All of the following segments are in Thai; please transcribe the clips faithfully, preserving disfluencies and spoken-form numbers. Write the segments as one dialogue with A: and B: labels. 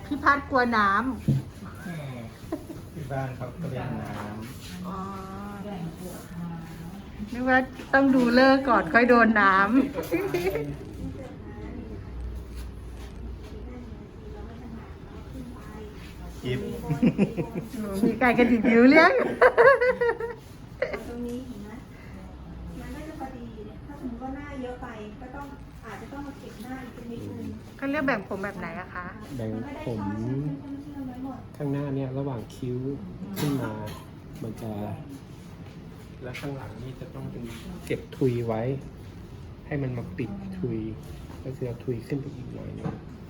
A: พี่พัดกลัวน้
B: แหม่ที่บ้านเขาก็เล่นน้
A: ำอ๋อนึกว่าต้องดูเลิกก่อนค่อยโดนน้
B: ำกิฟ
A: ำมีไก่กระดิกนิ้วเลี้ยง
C: ตรงนี้เห็นไหมมันก็จะพอดีเนี่ยถ้าสมมติว่าหน้าเยอะไปก็ต้องอาจจะต้องมาเก็บหน้าอีกสักนิดนึง
A: เขาเรียกแบ่งผมแบบไหนอะคะ
D: แบ่ง
C: มันก็ได้
D: ผม
C: ช่อเชื่อมเชื่อมเชื่อมไว้หมด
D: ข้างหน้าเนี่ยระหว่างคิ้วขึ้นมา มันจะ แล้วข้างหลังนี่จะต้องเป็นเก็บทุยไว้ ให้มันมาปิดทุยก็คือเอาทุยขึ้นไปอีกหน่อยหนึง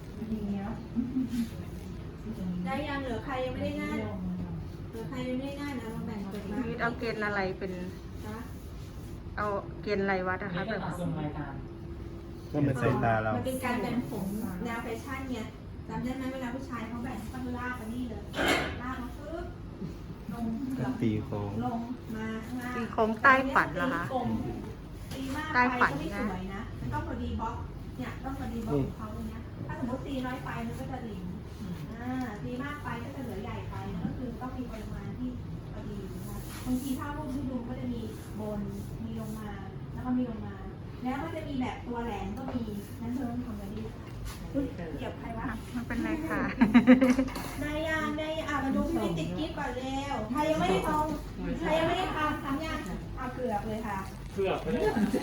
C: ได้ยังเหลือใครยังไม่ได้หน้าเหลือใครยังไม่ได้หน้านะลองแบ่งเปิดมา
A: มีเอาเกณฑ์อะไรเป็น
C: นะ
A: เอาเกณฑ์อะไรวัดอะคะแบบ
D: ก็มัน
B: ใส่ตาเรา
C: มันเป็นการแบ่งผมแนวแฟชั่นไงจำได้ไหมเวลาผู้ชายเขาแบ่งเขาลากไปนี่เลยลากมาปึ๊บลงเหลือ
B: ตีโค้ง
C: ลงมาข้างล่าง
A: ตีโค้งใต้ฝันเหรอคะ
C: ตีกลมตีมาก
A: ใต้
C: ไป
A: ฝัน
C: ก็ไม่
A: นะ
C: สวยนะมันต้องพอดีบล็อกเนี่ยต้องพอดีบล็อกของเขาตรงเนี้ยถ้าสมมติตีน้อยไปมันก็จะหลิมอ่าตีมากไปก็จะเหลือใหญ่ไปก็คือต้องมีปริมาณที่พอดีนะคะบางทีถ้ารูปที่ดูก็จะมีบนมีลงมาแล้วก็มีลงมา แล้วก็จะมีแบบตัวแหลมก็มีนั้นเธอต้องทำแบบนี้อุ๊ยเหยียบใครวะ
A: มันเป็นไรค่ะ
C: นายยางนายอ่ะมาดูพี่วิติดกิ๊บก่อนเร็วใครยังไม่ได้ทำใครยังไม่ได้ทำทำยังเอาเกือบเลยค่ะ
D: เพื่อไม่ได้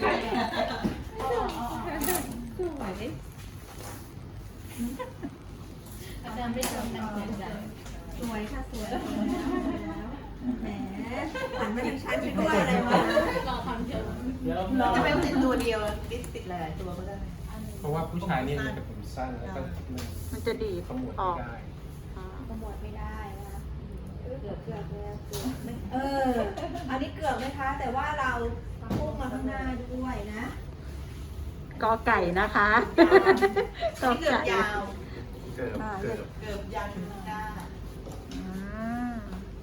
C: อาจารย์ไม่ทำนะสวยค่ะสวยแหมหันมาทางฉันฉันก็ว่าอะไรวะ
E: จะเป็นติดตัวเดียวติดติดหลายๆตัวก็ได้
D: เพราะว่าผู้ชายนี่มันจะผมสั้นแล้วก็มัน
A: มันจะดีด
D: ขมวด
A: อ
D: ไม่
A: อก
D: ได้
A: อ๋อ
C: ขมวดไม่ได้นะคะเกือบเกือบแล้วเกือบเอออันนี้เกือบไหมคะ แต่ว่าเราพุ่งมาข้างหน้าด้วยนะ
A: กอไก่นะคะกอ
E: เกือบ
A: ไก่
E: ยาว
B: เกือบเกือบ
E: เกือบยาวถึงหน้า
A: อ่า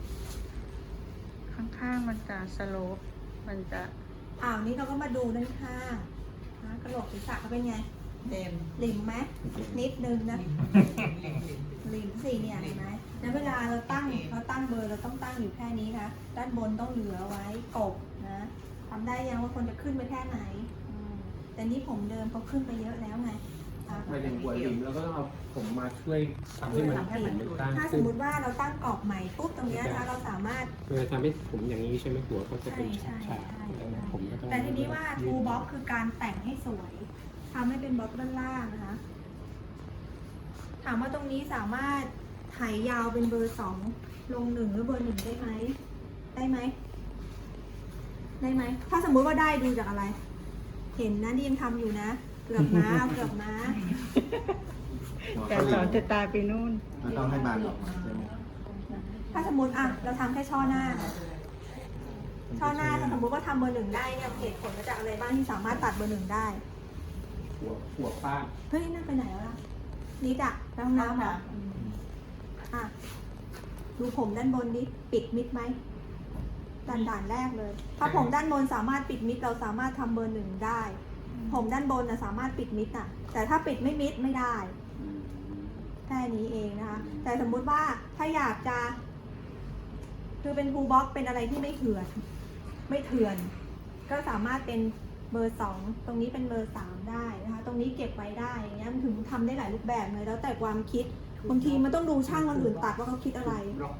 A: ข้างๆมันจะสโลปมันจะ
C: อ่าวนี้เราก็มาดูด้านข้างนะกระโหลกศีรษะเขาเป็นไง
E: เต็ม
C: หลิมไหมนิดนึงนะหลิมสี่เนี่ยเห็นไหมแล้วเวลาเราตั้งเราตั้งเบอร์เราต้องตั้งอยู่แค่นี้นะด้านบนต้องเหลือไว้กบนะทำได้ยังว่าคนจะขึ้นไปแค่ไหนอืมแต่นี่ผมเดิมเขาขึ้นไปเยอะแล้วไงอ่ะ
D: ไม่ถึงหัวหลิมแล้วก็ต้องเอาผมมาช่วยทำให้มันผมมันตั้ง
C: ถ้าส
D: ขึ้
C: ม
D: น
C: มติว่าเราตั้งกรอบใหม่ปุ๊บตรงเนี้ยนะเราสามารถ
D: เวลาทำให้ผมอย่างนี้ใช่ไหมหัวก็จะ
C: ใช่
D: เป็น
C: ใช่
D: ฉาก
C: ใช่
D: ๆแล้วผมก็ต้อง
C: แต่ทีนี้ว่า ทูบ็อกคือการแต่งให้สวยทำให้เป็นบล็อกด้านล่างนะคะ ถามว่าตรงนี้สามารถไถยาวเป็นเบอร์สองลงหนึ่งหรือเบอร์หนึ่งได้ไหม ได้ไหม ได้ไหม ถ้าสมมุติว่าได้ดูจากอะไร เห็นนะที่ยังทำอยู่นะ เกือบมาเอาเกือบมา
B: หัว
A: แต่
B: เขา
A: สอนจะตายไปนู่น
B: มันต้องให้บานออกมาใช่ไหม
C: ถ้าสมมติอ่ะเราทำแค่ช่อหน้า ช่อหน้าถ้าสมมติว่าทำเบอร์หนึ่งได้เนี่ยเหตุผลมาจากอะไรบ้างที่สามารถตัดเบอร์หนึ่งได้
D: หัวหัวป้าน
C: เฮ้ยนั่นไปไหนแล้วล่ะนิดอะไปห้องน้ำเหรออ่ะ ดูผมด้านบนนี้ปิดมิดไหมด่านด่านแรกเลย ถ้าผมด้านบนสามารถปิดมิดเราสามารถทำเบอร์หนึ่งได้ ผมด้านบนนะสามารถปิดมิดอะแต่ถ้าปิดไม่มิดไม่ได้ แค่นี้เองนะคะ แต่สมมุติว่าถ้าอยากจะ คือเป็นฟูลบ็อกเป็นอะไรที่ไม่เถื่อน ไม่เถื่อน ก็สามารถเป็นเบอร์สองตรงนี้เป็นเบอร์สามได้นะคะ ตรงนี้เก็บไว้ได้อย่างเงี้ยมันถึงทำได้หลายรูปแบบเลยแล้วแต่ความคิดบางทีมันต้องดูช่างคนอื่นตัดว่าเขาคิดอะไร